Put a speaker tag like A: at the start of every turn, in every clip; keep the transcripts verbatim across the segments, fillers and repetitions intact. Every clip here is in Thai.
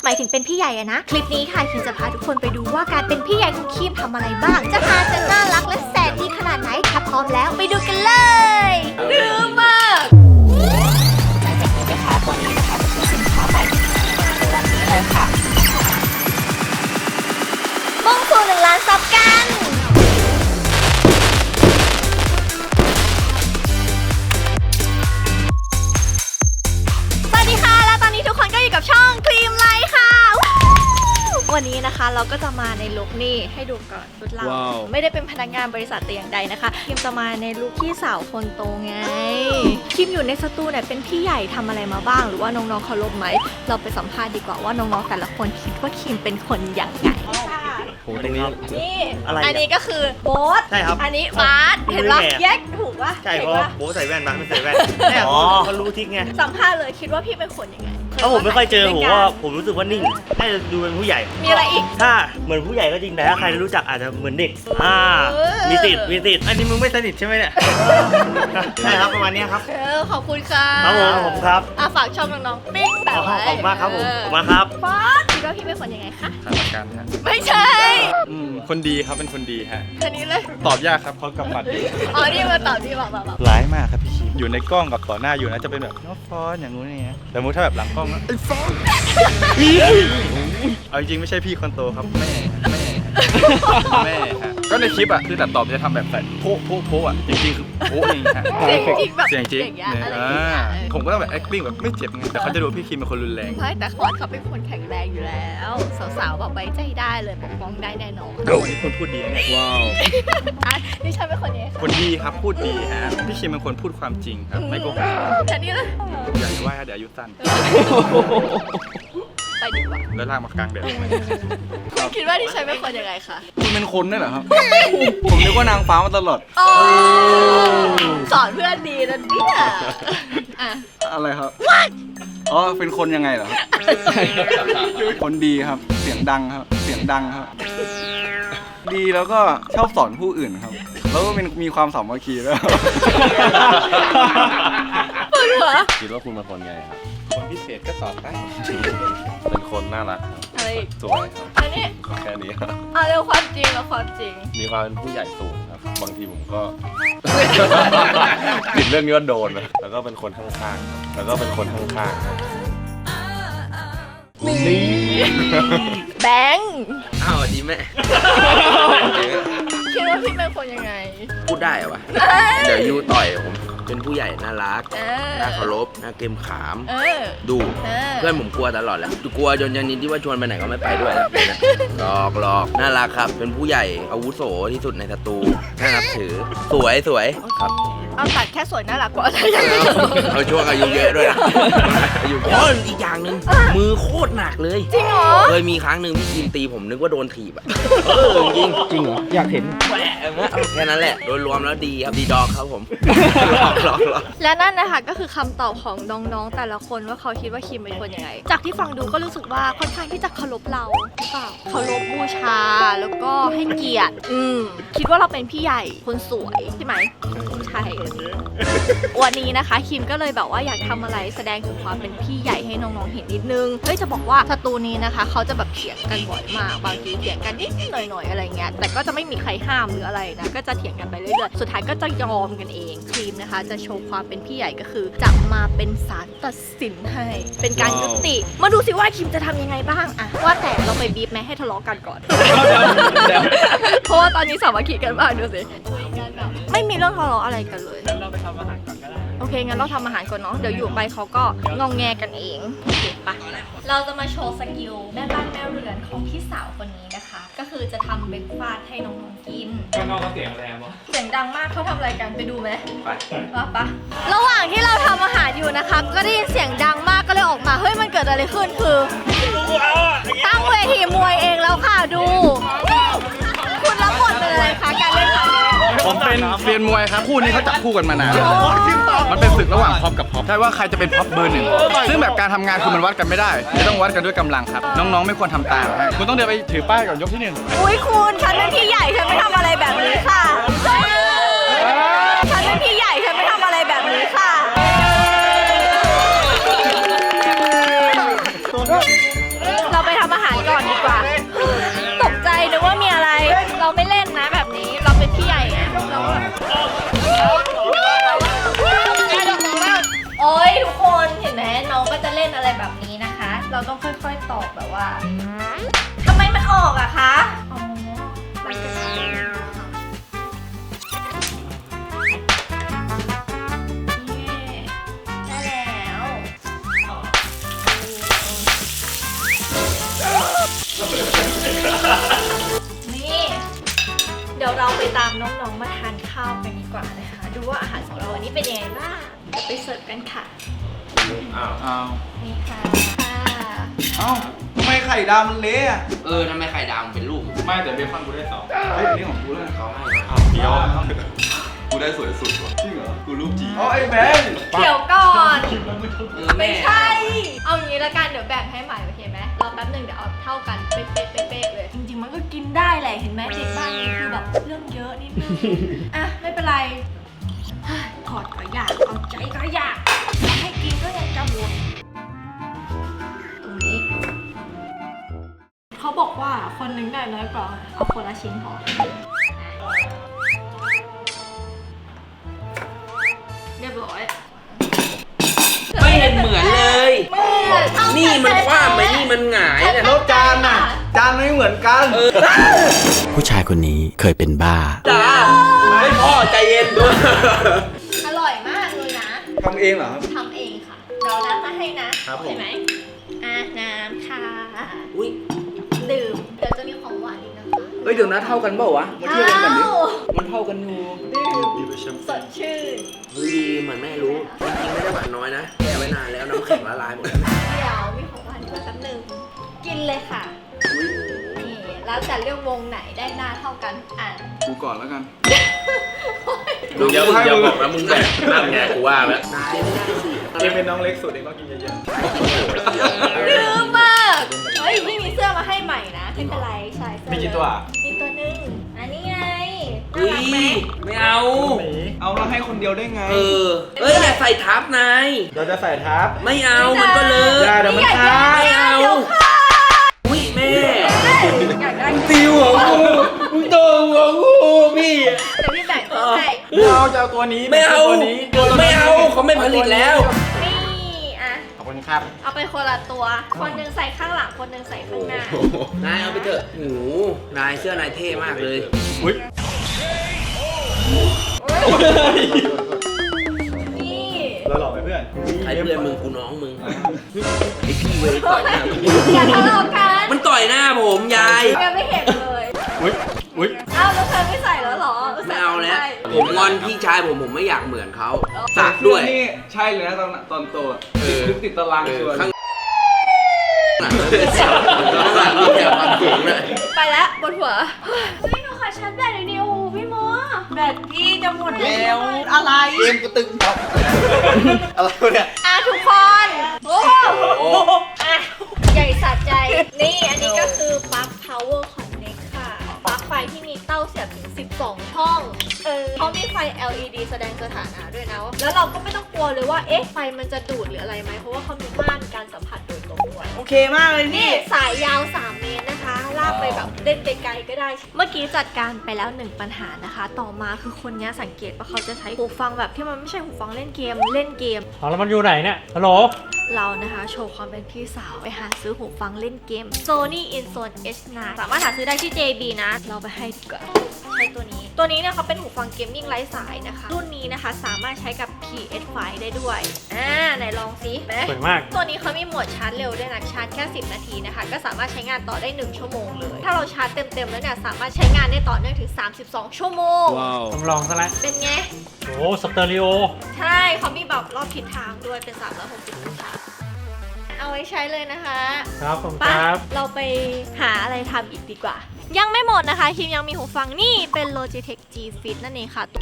A: หมายถึงเป็นพี่ใหญ่อะนะคลิปนี้ค่ะคิมจะพาทุกคนไปดูว่าการเป็นพี่ใหญ่ของคิมทำอะไรบ้างจะพาจะน่ารักและแสนดีขนาดไหนถ้าพร้อมแล้วไปดูกันเลยดื้อมากหลังจากนี้นะคะตอนนี้นะคะคือสินค้าใหม่วันนี้เลยค่ะมุ่งสู่หนึ่งล้านซับกันสวัสดีค่ะแล้วตอนนี้ทุกคนก็อยู่กับช่องครีมไลท์ค่ะวันนี้นะคะเราก็จะมาในลุคนี่ให้ดูก่อนชุดเรา wow. ไม่ได้เป็นพนักงานบริษัทแต่อย่างใดนะคะคิมจะมาในลุคพี่สาวคนโตไงคิมอยู่ในสตูเนี่ยเป็นพี่ใหญ่ทำอะไรมาบ้างหรือว่าน้องๆเคารพไหมเราไปสัมภาษณ์ดีกว่าว่าน้องๆแต่ละคนคิดว่าคิมเป็นคนอย่างไง
B: โหตรงนี้
A: นี่อันนี้ก็คือโบ๊ท
B: ใช่ครับ
A: อันนี้บาสเห็นปะแยกถูกปะ
B: ใช่เพราะโบ๊ทใส่แว่นบาสไม่ใส่แว่นแอ๋อเขารู้ทิกไง
A: สัมภาษณ์เลยคิดว่าพี่เป็นคนยังไง
B: ถ้าผมไม่ค่อยเจอผมว่าผมรู้สึกว่านิ่งน่าจะดูเป็นผู้ใหญ่
A: มีอะไรอีก
B: ถ้าเหมือนผู้ใหญ่ก็จริงแต่ถ้าใครรู้จักอาจจะเหมือนเด็กอ่ามีติดมีติดอันนี้มึงไม่สนิทใช่ไหมเนี่ยใช่ครับประมาณนี้ครับ
A: เออขอบคุณค่ะ
B: ครับผมผมครับ
A: อ่ะฝากช่องน้องๆปิ๊งแบบ
B: ขอบคุณมากครับผมขอบคุณมากครับ
A: ฟ้าคิดว่าพี่เป็นคนยังไงคะ
C: สถานการณ์ฮะ
A: ไม่ใช่
C: คนดีครับเป็นคนดีฮะ
A: อันนี้เลย
C: ตอบยากครับเพราะกำบัด
A: อ๋อนี่มาตอบที่บอกแบบ
C: ร้ายมากครับพี่คิมอยู่ในกล้องกับต่อหน้าอยู่นะจะเป็นแบบน้องฟอนอย่างงู้นอย่างเงี้ยแต่มุถ้าแบบหลังกล้องไอ้ฟอนเอาจริงไม่ใช่พี่คนโตครับแม่แม่แม่ฮะก็ในคลิปอ่ะคือตัดต่อจะทำแบบใส่โป๊ะโป๊ะโป๊ะอ่ะจริงๆคือโป๊ะเองฮะ
A: เสียงจริงแบบ
C: เสียงจริงผมก็ต้องแบบ acting แบบไม่เจ็บไงแต่เขาจะดูพี่คิมเป็นคนรุนแรง
A: ใช่แต่ฟอนเขาเป็นคนแข็งแรงอยู่แล้วสาวๆแบบไว้ใจได้เลยปกป้องได้แน่นอน
C: วันนี้คนพูดดีเนี่ย
B: ว้าว
A: นี่ฉันเป็นคนยังไง
C: คนดีครับพูดดีฮะพี่คิมเป็นคนพูดความจริงครับไม่โกหก
A: แต่นี่เลย
C: อย่าว่าเดี๋ยวอายุสั้น
A: ไปดีกว่า
C: แล้วลากมากลางเดือน
A: คุณคิดว่าที่ฉันเป็นคนยังไงคะ
C: คุณเป็นคนได้เหรอครับผมนึกว่านางฟ้ามาตลอด
A: สอนเพื่อนดีนะเนี่ย
C: อะไรครับอ๋อเป็นคนยังไงเหรอครับคนดีครับเสียงดังครับเสียงดังครับดีแล้วก็ชอบสอนผู้อื่นครับแล้วก็เป็นมีความสามัคคีแล้ว
A: ปวดหัว
D: คิดว่าคุณเป็นคนไงครับ
C: คนพิเศษก็ตอบได้
D: เป็นคนน่ารักครับ
A: อะไร
D: สวยครับ
A: อันนี้
D: แค่นี้ครับ
A: เอาเรื่องความจริงแล้วความจริง
D: มีความเป็นผู้ใหญ่สูงครับบางทีผมก็ติดเรื่องนี้ว่าโดนนะแล้วก็เป็นคนข้างๆแล้วก็เป็นคนข้างๆ
A: นี่แบงค์
D: อ้าวดีแม่
A: คิดว่าพี่เป็นคนยังไง
D: พูดได้เหรอวะเดี๋ยวยูต่อยผมเป็นผู้ใหญ่น่ารักน่าเคารพน่าเกมขามดูเพื่อนผมกลัวตลอดแหละกลัวจนยันนี้ที่ว่าชวนไปไหนก็ไม่ไปด้วยแล้วหลอกหลอกน่ารักครับเป็นผู้ใหญ่อาวุโสที่สุดในสตูน่านับถือสวยสวยครับ
A: เอาตัดแค่สวยน่ารักกว่าอะไรอย่างเงี้ย
D: เอาช่วงอายุเยอะด้วยนะอายุเยอะอีกอย่างหนึ่งมือโคตรหนักเลย
A: จริงเหรอ
D: เคยมีครั้งหนึ่งพี่ทีมตีผมนึกว่าโดนถีบอะจริง
B: จริงเหรออยากเห็น
D: แค่นั้นแหละโดยรวมแล้วดีครับดีดอกครับผม
A: และนั่นนะคะก็คือคำตอบของน้องๆแต่ละคนว่าเขาคิดว่าคิมเป็นคนยังไงจากที่ฟังดูก็รู้สึกว่าค่อนข้างที่จะเคารพเราหรือเปล่าเคารพบูชาแล้วก็ให้เกียรติอืมคิดว่าเราเป็นพี่ใหญ่คนสวยใช่ไหมใช่วันนี้นะคะคิมก็เลยแบบว่าอยากทำอะไรแสดงถึงความเป็นพี่ใหญ่ให้น้องๆเห็นนิดนึงเฮ้ยจะบอกว่าสตูนี้นะคะเขาจะแบบเถียงกันบ่อยมากบางทีเถียงกันนิดหน่อยๆอะไรเงี้ยแต่ก็จะไม่มีใครห้ามหรืออะไรนะก็จะเถียงกันไปเรื่อยๆสุดท้ายก็จะยอมกันเองครีมนะคะจะโชว์ความเป็นพี่ใหญ่ก็คือจะมาเป็นศาลตัดสินให้เป็นการยุติมาดูสิว่าคิมจะทำยังไงบ้างอะว่าแต่เราไปบีบแม่ให้ทะเลาะกันก่อนเพราะว่าตอนนี้สามัคคีกันมากดูสิไม่มีเรื่องทะเลาะอะไรกันเลยเราไปทำอาหารก่อนก็ได้โอเคงั้นเราทำอาหารก่อนเนาะเดี๋ยวอยู่ไปเขาก็งองแงกันเองโอเคปะเราจะมาโชว์สกิลแม่บ้านแม่เรือนของพี่สาวคนนี้นะคะก็คือจะทำเบรกฟาสต์ให้น้องๆกิน
C: ข้างนอกก็เสียงแรงวะ
A: เสียงดังมากเขาทำอะไรกันไปดูไหมไปว่าปะระหว่างที่เราทำอาหารอยู่นะคะก็ได้ยินเสียงดังมากก็เลยออกมาเฮ้ยมันเกิดอะไรขึ้นคือตั้งเวทีมวยเองแล้วค่ะดูคุณรับบทเป็นอะไรคะการเล่นครั้งนี้
C: ผมเป็นเรียนมวยครับคู่นี้เขาจับคู่กันมานานมันเป็นศึกระหว่างพ็อปกับพ็อปใช่ว่าใครจะเป็นพ็อปเบอร์หนึ่งซึ่งแบบการทำงานคือมันวัดกันไม่ได้จะต้องวัดกันด้วยกำลังครับน้องๆไม่ควรทำตามคุณต้องเดินไปถือป้ายก่อนยกที่หนึ่ง
A: อุ้ยคุณฉันเป็นพี่ใหญ่ฉันไม่ทำอะไรแบบนี้ค่ะฉันเป็นพี่ใหญ่ฉันไม่ทำอะไรแบบนี้ค่ะเราคนเห็นไหมน้องก็จะเล่นอะไรแบบนี้นะคะ เราต้องค่อยๆตอบแบบว่าทำไมมันออกอะคะอ๋อมันจะใช่ได้แล้วนี่เดี๋ยวเราไปตามน้องๆมาทานข้าวกันดีกว่านะคะดูว่าอาหารของเราวันนี้เป็นยังไงบ้างเดี๋ยวไปเสิร์ฟกันค่ะ
D: อ้าว
C: อ้าว
A: นี่ค่ะค่ะ
C: เอ้าทำไมไข่ดาวมันเละอะ
D: เออทำไมไข่ดาวมันเป็นลูก
E: ไม่แต่เบคอนกูได้สอง
C: เฮ้ยนี่ของกูแล้วนะ
D: เขาให้
E: อ้าวเดียว
F: กูได้สวยสุดว่ะ
C: จริงเหรอ
F: กูรูปจี
C: อ๋อไอ้แบงค์
A: เดี๋ยวก่อน
D: เออ
A: ไม่
D: แม่
A: ใช่ เอางี้ละกันเดี๋ยวแบ่งให้ใหม่โอเคไหมรอแป๊บหนึ่งเดี๋ยวเอาเท่ากันเป๊ะๆเป๊ะๆเลย จริงๆมันก็กินได้แหละเห็นไหมเด็กบ้านนี้คือแบบเรื่องเยอะนิดนึง อ่ะไม่เป็นไรเฮ้ยกอดก็อยากเอาใจก็อยากให้กินก็ยังจะวนตรงนี้เขาบอกว่าคนหนึงได้น้อยกว่าเอาคนละชิ้นพอเรียบร้อย
D: ไม่เห็นเหมือนเลย
A: เหมือนเท่ากั
D: นี่มันคว้าไป
A: แท้ๆ
D: นี่มันหงายเนี่ย
C: แล้วจานน่ะ จานไม่เหมือนกัน
G: ผู้ชายคนนี้เคยเป็นบ้า
D: จ้าไม่พ่อใจเย็นด้วย
A: อร่อยมากเลยนะ
C: ทำเองเหรอครับ
A: ทำเองค่ะเดี๋ยวน้ำมาให้นะครับ
C: ผม
A: เห็นไหมอ่ะน้ำค่ะ
D: อุ้ย
A: ดื่มเดี๋ยวจะมีของหวานอีกนะคะ
D: เฮ้ยเดี๋ยวนะเท่ากันเปล่าวะ
C: มาเที่ยวกันแบบนี้
A: อ้าว
D: มันเท่ากันอยู่
A: ดื่มสดชื่น
D: เฮ้ยดีเหมือนแม่รู้จริงๆไม่ได้หวานน้อยนะแช่ไว้นานแล้วน้ำแข็งละลายหมดแล้ว
A: เดี๋ยวมีของหวานอีกแป๊บหนึงกินเลยค่ะนี่แล้วแต่เรื่องวงไหนได้หน้าเท่ากันอ่ะ
C: กูก่อนแล้วกัน
D: มึงอย่ามึงอย่าบอกนะมึงแบบนั่นไงกูว่าแล้วนายไม่ได้สิ
E: เอ็มเป็นน้องเล็กสุดเองก็กินเยอะ
A: ลืมมากเฮ้ยนี่มีเสื้อมาให้ใหม่นะไม่เป็นไรใส่เสื้อ
E: ๆมีกี่ตัว
A: มีตัวหนึงอันนี้ไงน่า
D: อุ้
A: รั
D: ย
A: กไหม
D: ไม่เอา
E: หมี
C: เอาแล้วให้คนเดียวได้ไง
D: เออเอ้ยอย่าใส่ทับนาย
E: เราจะใส่ทับ
D: ไม่เอามันก็เล
E: อย่า
D: อะ
E: เดี๋ยวมัน
A: อยาก
E: คา
A: ได้
D: ไม่เอา
A: ดี๋ยวค่ะ
D: อุ้ยแม่
A: อยากได้
D: ติวหัวกูมึงโตหัวกูพี่
A: เดี๋ยวพี่แบ่งให้
E: ไม่เอาจะเอาตัวนี้
D: ไม่เอา
E: ตัวนี้
D: ไม่เอาเขาไม่ผลิตแล้ว
A: นี่อ่ะ
E: ขอบคุณครับ
A: เอาไปคนละตัว คนหนึ่งใส่ข้างหลัง คนหนึ่งใส่ข้างหน้า
D: นายเอาไปเถอะโอ้โหนายเสื้อนายเท่มากเลย
E: อุ้ย
A: นี่
E: เราหลอกไปเพื่อน
D: ใครเพื่อนมึงกูน้องมึงไอพี่เว้ยต่อยหน้าผม
A: อย่าทะเลาะกัน
D: มันต่อยหน้าผมยาย
A: ยังไม่เห็นเลย
E: อุ้ยอุ้ย
A: เอ้าแล้วเธอไม่ใส่แล้วเหรอ
D: ไม่เอาแล้ว
A: ใส่
D: ผมงอนพี่ชายผมผมไม่อยากเหมือนเขาสักด้วย
C: นี่ใช่เลยนะตอนตอนโตอะ
D: เออ
C: ลึกติดตาราง
D: เอ
C: ชั
D: อ
C: วร์
D: ข้างหลังเลยสักข้างหลังนี่แถวความสูงเลย
A: ไปแล้วบนหัวพี่หนูขอชาร์จแบตหน่อยดิโอ้โหพี่โมแบตพี่จะหมดแล้ว อะไร
C: เกมกูตึงครับอะไรวะเนี่ย
A: อ่ะทุกคนโอ้โหอ่ะใหญ่สะใจ นี่อันนี้ก็คือปลั๊ก power connect ค่ะ ปลั๊กไฟที่มีเต้าเสียบถึง สิบสอง ช่อง เออเขามีไฟ แอล อี ดี แสดงสถานะด้วยนะ แล้วเราก็ไม่ต้องกลัวเลยว่า เอ๊ะ ไฟมันจะดูดหรืออะไรไหม เพราะว่าเขามีม่านการสัมผัสโดยตรงด้วย
H: โอเคมากเลย
A: นี่
H: นี่
A: สายยาว สาม เมตรนะคะ ลากไปแบบเล่นไกลๆก็ได้ เมื่อกี้จัดการไปแล้วหนึ่งปัญหานะคะ ต่อมาคือคนนี้สังเกตว่าเขาจะใช้หูฟังแบบที่มันไม่ใช่หูฟังเล่นเกม เล่นเกม
B: เอาแล้วมันอยู่ไหนเนี่ย ฮัลโหล
A: เรานะคะโชว์ความเป็นพี่สาวไปหาซื้อหูฟังเล่นเกม Sony InZone เอช ไนน์ สามารถหาซื้อได้ที่ เจ บี นะ เราไปให้ดีกว่าใช้ตัวนี้ ตัวนี้เนี่ยเขาเป็นหูฟังเกมมิ่งไร้สายนะคะ รุ่นนี้นะคะสามารถใช้กับ พี เอส ไฟว์ ได้ด้วย อ่าไหนลองสิไหม
B: สวยมาก
A: ตัวนี้เขามีโหมดชาร์จเร็วด้วยนะ ชาร์จแค่ สิบ นาทีนะคะ ก็สามารถใช้งานต่อได้ หนึ่ง ชั่วโมงเลย ถ้าเราชาร์จเต็มๆแล้วเนี่ยสามารถใช้งานได้ต่อเนื่องถึง สามสิบสอง ชั่วโมง
B: ทำลองซะแล้ว
A: เป็นไง
B: โอ้สเตอริโอ
A: ใช่เขามีแบบรอบทิศทางด้วยเป็นสามร้อยหกสิบองศาเอาไว้ใช้เลยนะคะ
B: ครับผม
A: ไป
B: ครับ
A: เราไปหาอะไรทำอีกดีกว่า ยังไม่หมดนะคะคิมยังมีหูฟังนี่เป็น Logitech G Fit นั่นเองค่ะ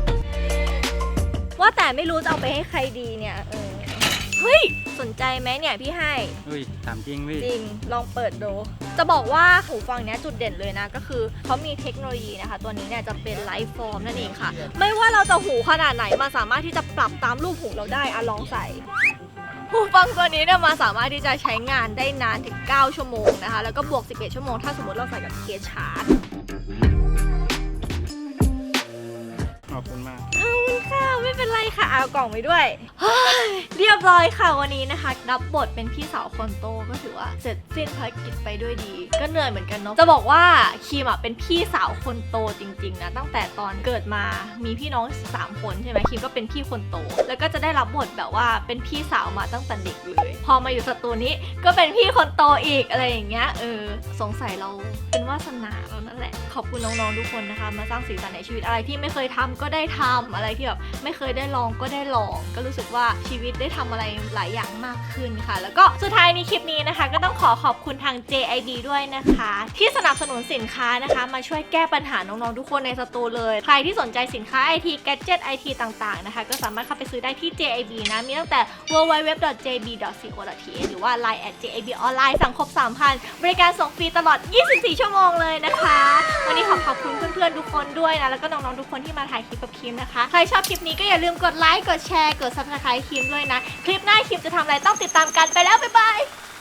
A: ว่าแต่ไม่รู้จะเอาไปให้ใครดีเนี่ยเออเฮ้ย สนใจไหมเนี่ยพี่ให้
E: เฮ้ยถามจริงพี่
A: จริง ลองเปิดดู จะบอกว่าหูฟังเนี้ยจุดเด่นเลยนะ ก็คือเขามีเทคโนโลยีนะคะ ตัวนี้เนี่ยจะเป็นไลฟ์ฟอร์มนั่นเองค่ะ ไม่ว่าเราจะหูขนาดไหนมันสามารถที่จะปรับตามรูปหูเราได้อะลองใส่ หูฟังตัวนี้เนี่ยมาสามารถที่จะใช้งานได้นานถึง เก้า ชั่วโมงนะคะ แล้วก็บวก สิบเอ็ด ชั่วโมงถ้าสมมติเราใส่กับเคสชาร์จ
E: ขอบคุณมาก
A: ขอบคุณค่ะไม่เป็นไรค่ะเอากล่องไปด้วยเฮ้ยเรียบร้อยค่ะวันนี้นะคะรับบทเป็นพี่สาวคนโตก็ถือว่าเสร็จสิ้นภารกิจไปด้วยดีก็เหนื่อยเหมือนกันเนาะจะบอกว่าคิมอ่ะเป็นพี่สาวคนโตจริงๆนะตั้งแต่ตอนเกิดมามีพี่น้องสามคนใช่ไหมคิมก็เป็นพี่คนโตแล้วก็จะได้รับบทแบบว่าเป็นพี่สาวมาตั้งแต่เด็กเลยพอมาอยู่สตูนี้ก็เป็นพี่คนโตอีกอะไรอย่างเงี้ยเออสงสัยเราเป็นวาสนาเรานั่นแหละขอบคุณน้องๆทุกคนนะคะมาสร้างสีสันในชีวิตอะไรที่ไม่เคยทำก็ได้ทำอะไรที่แบบไม่เคยได้ลองก็ได้ลองก็รู้สึกว่าชีวิตได้ทำอะไรหลายอย่างมากขึ้นค่ะแล้วก็สุดท้ายในคลิปนี้นะคะก็ต้องขอขอบคุณทาง เจ ไอ ดี ด้วยนะคะที่สนับสนุนสินค้านะคะมาช่วยแก้ปัญหาน้องๆทุกคนในสตูเลยใครที่สนใจสินค้า ไอ ที แกดเจ็ต ไอ ที ต่างๆนะคะก็สามารถเข้าไปซื้อได้ที่ เจ ไอ บี นะมีตั้งแต่ ดับเบิลยู ดับเบิลยู ดับเบิลยู ดอท เจ บี ดอท ซี โอ ดอท ที เอช หรือว่า ไลน์ แอท เจ ไอ บี ออนไลน์สั่งครบ สามพัน บริการส่งฟรีตลอด ยี่สิบสี่ ชั่วโมงเลยนะคะวันนี้ขอขอบคุณเพื่อนๆทุกคนด้วยนะแล้วก็น้องๆทุกคนที่มาถ่ายคลิปกับคิมนะคะใครชอบคลิปนี้ก็อย่าลืมกดไลค์กดแชร์กด ซับสไครบ์ คิมด้วยนะคลิปหน้าคิมจะทำอะไรต้องติดตามกันไปแล้วบ๊ายบาย